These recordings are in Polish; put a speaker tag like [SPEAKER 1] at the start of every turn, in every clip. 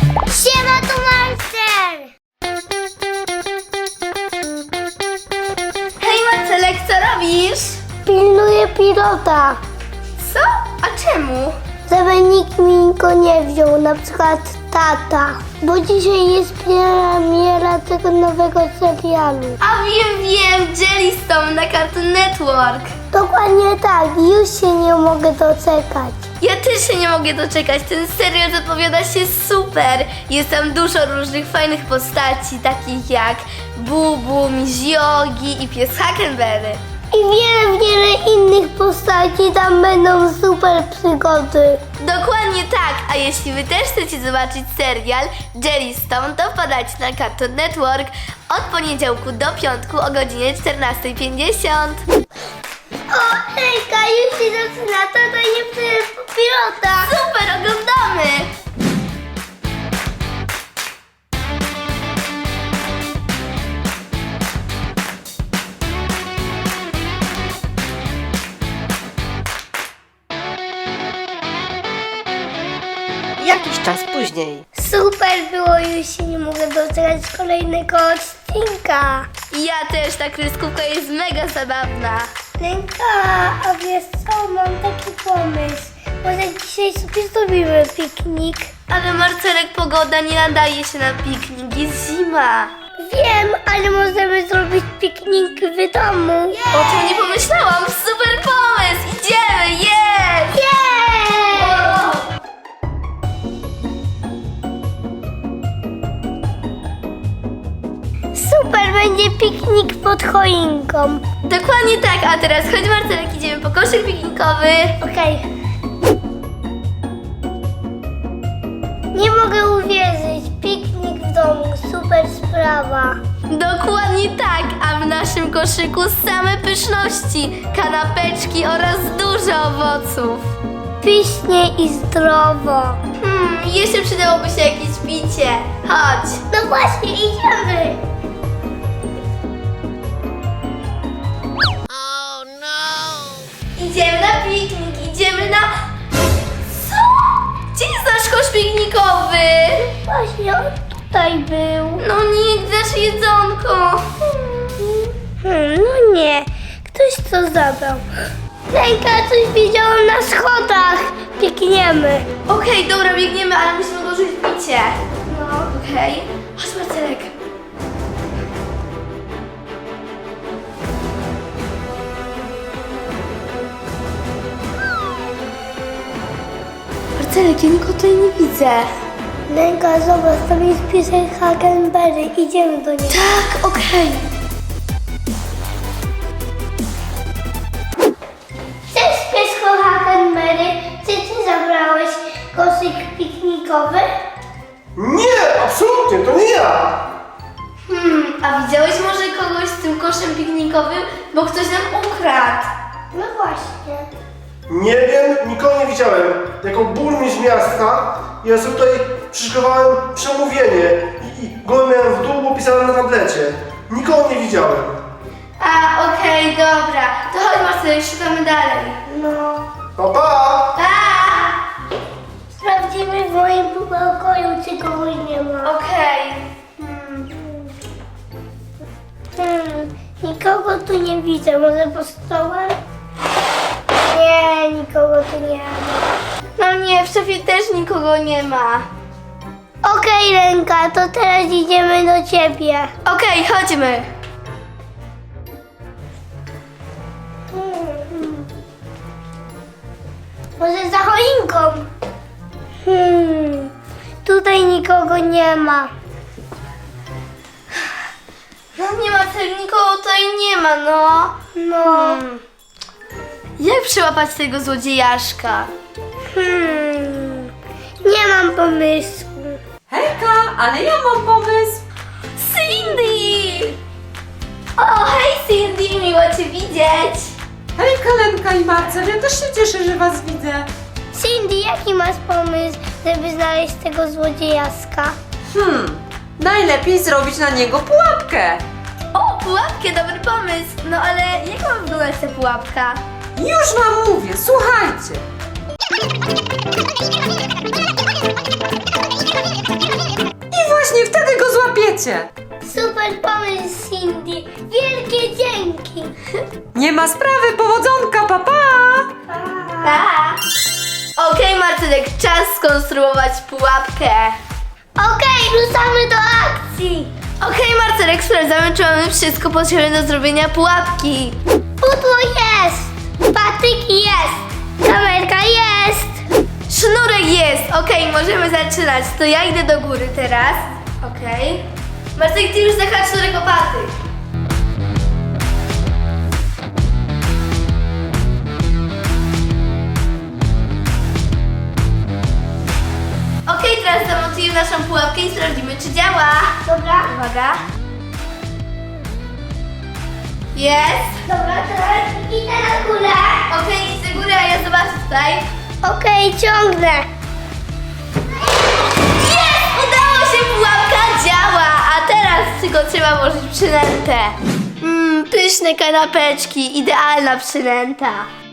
[SPEAKER 1] Siema, tu Marcel!
[SPEAKER 2] Hej Marcelek, co robisz?
[SPEAKER 1] Pilnuję pilota,
[SPEAKER 2] Co? A czemu?
[SPEAKER 1] żeby nikt mi go nie wziął, na przykład tata. Bo dzisiaj jest premiera tego nowego serialu.
[SPEAKER 2] A wiem, Jellystone na Cartoon Network.
[SPEAKER 1] Dokładnie tak, już się nie mogę doczekać.
[SPEAKER 2] Ja też się nie mogę doczekać, ten serial zapowiada się super. Jest tam dużo różnych fajnych postaci, takich jak Bubu, Miziogi i pies Huckleberry.
[SPEAKER 1] I wiele innych postaci, tam będą super przygody.
[SPEAKER 2] Dokładnie tak, a jeśli wy też chcecie zobaczyć serial Jellystone, to wpadajcie na Cartoon Network od poniedziałku do piątku o godzinie 14:50.
[SPEAKER 1] O, hejka, już się zaczyna, to nie pilota.
[SPEAKER 2] Super, oglądamy!
[SPEAKER 3] Jakiś czas później.
[SPEAKER 1] Super było, już się nie mogę doczekać kolejnego odcinka.
[SPEAKER 2] Ja też, ta kreskówka jest mega zabawna.
[SPEAKER 1] Lenka, a wiesz co, mam taki pomysł. Może dzisiaj sobie zrobimy piknik?
[SPEAKER 2] Ale Marcelek, pogoda nie nadaje się na piknik, jest zima.
[SPEAKER 1] Wiem, ale możemy zrobić piknik w domu.
[SPEAKER 2] O tym nie pomyślałam, super pomysł, idziemy, jest!
[SPEAKER 1] Jej! Super, będzie piknik pod choinką.
[SPEAKER 2] Dokładnie tak, a teraz chodź Marcelek, idziemy po koszyk piknikowy.
[SPEAKER 1] Okej. Nie mogę uwierzyć, piknik w domu, super sprawa.
[SPEAKER 2] Dokładnie tak, a w naszym koszyku same pyszności, kanapeczki oraz dużo owoców.
[SPEAKER 1] Pysznie i zdrowo.
[SPEAKER 2] Jeszcze przydałoby się jakieś picie. Chodź.
[SPEAKER 1] No właśnie, idziemy.
[SPEAKER 2] Idziemy na piknik, idziemy na... Co? Gdzie jest nasz kosz piknikowy?
[SPEAKER 1] Właśnie on tutaj był.
[SPEAKER 2] No nie, nasze jedzonko.
[SPEAKER 1] No nie, ktoś to zabrał. Ręka, coś widziałam na schodach. Biegniemy.
[SPEAKER 2] Okej, dobra, biegniemy, ale musimy odłożyć picie.
[SPEAKER 1] No.
[SPEAKER 2] Okej. Chodź Marcelek. Marcelek, ja nikogo tutaj nie widzę.
[SPEAKER 1] Ręka, zobacz, tam jest piesek Huckleberry. Idziemy do niego.
[SPEAKER 2] Tak, okej.
[SPEAKER 1] Cześć, piesko Huckleberry. Czy ty zabrałeś koszyk piknikowy?
[SPEAKER 4] Nie, absolutnie, to nie ja!
[SPEAKER 2] A widziałeś może kogoś z tym koszem piknikowym? Bo ktoś nam ukradł.
[SPEAKER 1] No właśnie.
[SPEAKER 4] Nie wiem, nikogo nie widziałem. Jako burmistrz miasta, ja sobie tutaj przyszykowałem przemówienie i go miałem w dół, bo pisałem na tablecie. Nikogo nie widziałem.
[SPEAKER 2] A, okej, dobra. To chodź Marcelek, szukamy dalej.
[SPEAKER 1] No.
[SPEAKER 4] Pa, pa!
[SPEAKER 2] Pa!
[SPEAKER 1] Sprawdzimy w moim pokoju, czy kogoś nie ma.
[SPEAKER 2] Okej.
[SPEAKER 1] Nikogo tu nie widzę. Może po stołem? Nie, nikogo tu nie ma.
[SPEAKER 2] No nie, w szafie też nikogo nie ma.
[SPEAKER 1] Okej, Ręka, to teraz idziemy do ciebie.
[SPEAKER 2] Okej, chodźmy.
[SPEAKER 1] Może za choinką? Tutaj nikogo nie ma.
[SPEAKER 2] No nie ma, nikogo tutaj nie ma, no.
[SPEAKER 1] No.
[SPEAKER 2] Jak przyłapać tego złodziejaszka?
[SPEAKER 1] Nie mam pomysłu.
[SPEAKER 5] Hejka, ale ja mam pomysł.
[SPEAKER 2] Cindy! O, hej Cindy, miło Cię widzieć.
[SPEAKER 5] Hejka, Lenka i Marcel, ja też się cieszę, że was widzę.
[SPEAKER 1] Cindy, jaki masz pomysł, żeby znaleźć tego złodziejaska?
[SPEAKER 5] Najlepiej zrobić na niego pułapkę.
[SPEAKER 2] O, pułapkę, dobry pomysł. No ale jak ma wyglądać ta pułapka?
[SPEAKER 5] Już wam mówię, słuchajcie. pośmiejecie.
[SPEAKER 1] Super pomysł, Cindy. Wielkie dzięki.
[SPEAKER 5] Nie ma sprawy, powodzonka, papa!
[SPEAKER 2] Pa! Okej, Marcelek, czas skonstruować pułapkę.
[SPEAKER 1] Okej, ruszamy do akcji.
[SPEAKER 2] Okej, Marcelek, sprawdzamy, czy mamy wszystko potrzebne do zrobienia pułapki.
[SPEAKER 1] Pudło jest. Patyk jest. Kamerka jest.
[SPEAKER 2] Sznurek jest! Okej, możemy zaczynać. To ja idę do góry teraz. Okej. Marcelek, ty już zahacz sznurek o patyk. Okej, teraz zamontujemy naszą pułapkę i sprawdzimy, czy działa.
[SPEAKER 1] Dobra.
[SPEAKER 2] Uwaga. Jest.
[SPEAKER 1] Dobra, teraz idę na górę.
[SPEAKER 2] Okej, idź do góry, a ja zobaczę tutaj.
[SPEAKER 1] Okej, ciągnę.
[SPEAKER 2] Jest! Udało się, pułapka działa! A teraz tylko trzeba włożyć przynętę. Pyszne kanapeczki, idealna przynęta.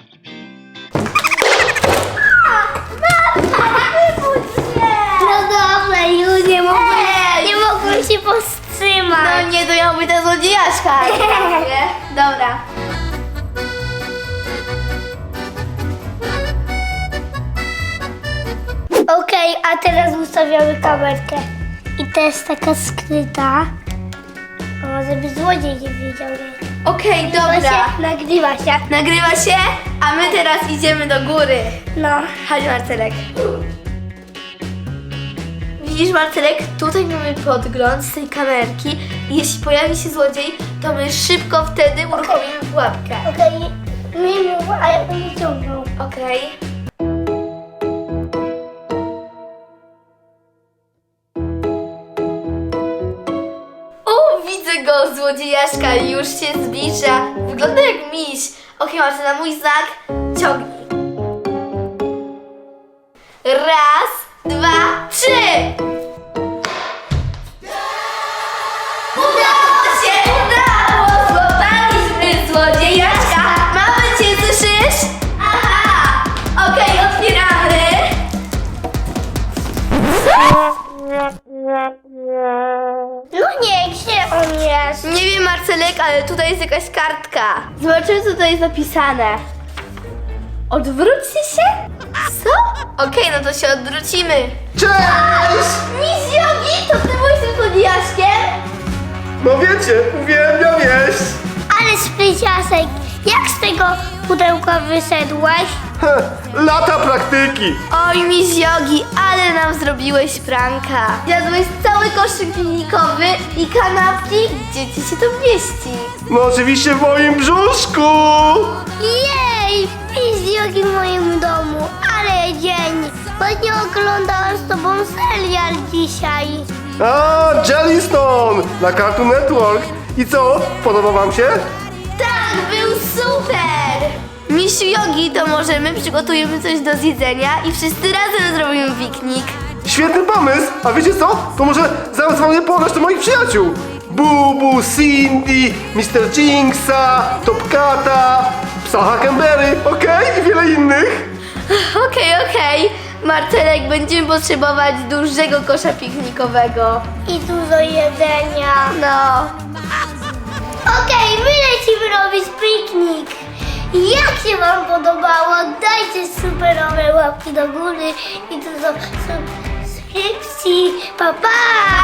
[SPEAKER 1] No dobra, już nie
[SPEAKER 2] Ej!
[SPEAKER 1] mogłem się powstrzymać.
[SPEAKER 2] No nie, to miał być ta złodziejaszka. Nie? Dobra.
[SPEAKER 1] Okej, a teraz ustawiamy kamerkę. I to jest taka skryta. O, może by złodziej nie wiedział. Nie?
[SPEAKER 2] Okej, dobra.
[SPEAKER 1] Nagrywa się.
[SPEAKER 2] Nagrywa się, a my teraz idziemy do góry.
[SPEAKER 1] No.
[SPEAKER 2] Chodź, Marcelek. Widzisz, Marcelek? Tutaj mamy podgląd z tej kamerki i jeśli pojawi się złodziej, to my szybko wtedy uruchomimy pułapkę.
[SPEAKER 1] Okej, nie mów, a ja będę ciągnął.
[SPEAKER 2] Okej. O, widzę go, złodziejaszka już się zbliża. Wygląda jak miś. Okej, Marcel, na mój znak ciągnij. Raz, dwa, trzy! Udało się! Udało! Złapaliśmy złodziejaszka! Mamy cię, słyszysz? Aha! Okej, otwieramy.
[SPEAKER 1] No nie, gdzie on jest?
[SPEAKER 2] Nie wiem, Marcelek, ale tutaj jest jakaś kartka. Zobaczymy, co tutaj jest napisane. Odwróćcie się? Co? Okej, no to się odwrócimy.
[SPEAKER 4] Cześć!
[SPEAKER 2] Miss Yogi, to ty byłeś tym złodziejaszkiem?
[SPEAKER 4] No wiecie, uwielbiam jeść.
[SPEAKER 1] Ale spryciasek, jak z tego pudełka wyszedłeś?
[SPEAKER 4] Lata praktyki.
[SPEAKER 2] Oj, Miss Yogi, ale nam zrobiłeś pranka. Jadłeś cały koszyk filmikowy i kanapki. Gdzie ci się to mieści?
[SPEAKER 4] No oczywiście w moim brzuszku.
[SPEAKER 1] Jej, fizjogi w moim domu, ale dzień. Właśnie oglądałam z tobą serial dzisiaj.
[SPEAKER 4] A, Jellystone na Cartoon Network. I co, podoba wam się?
[SPEAKER 2] Tak, był super! Misiu Yogi, to może my przygotujemy coś do zjedzenia i wszyscy razem zrobimy piknik.
[SPEAKER 4] Świetny pomysł! A wiecie co? To może zadzwonię po resztę moich przyjaciół. Bubu, Cindy, Mr. Jinxa, Topkata, Psa Huckleberry, okej? I wiele innych.
[SPEAKER 2] Okej. Marcelek, będziemy potrzebować dużego kosza piknikowego.
[SPEAKER 1] I dużo jedzenia.
[SPEAKER 2] No.
[SPEAKER 1] Okej, my lecimy robić piknik. Jak się wam podobało? Dajcie superowe łapki do góry i dużo subskrypcji. Pa, pa!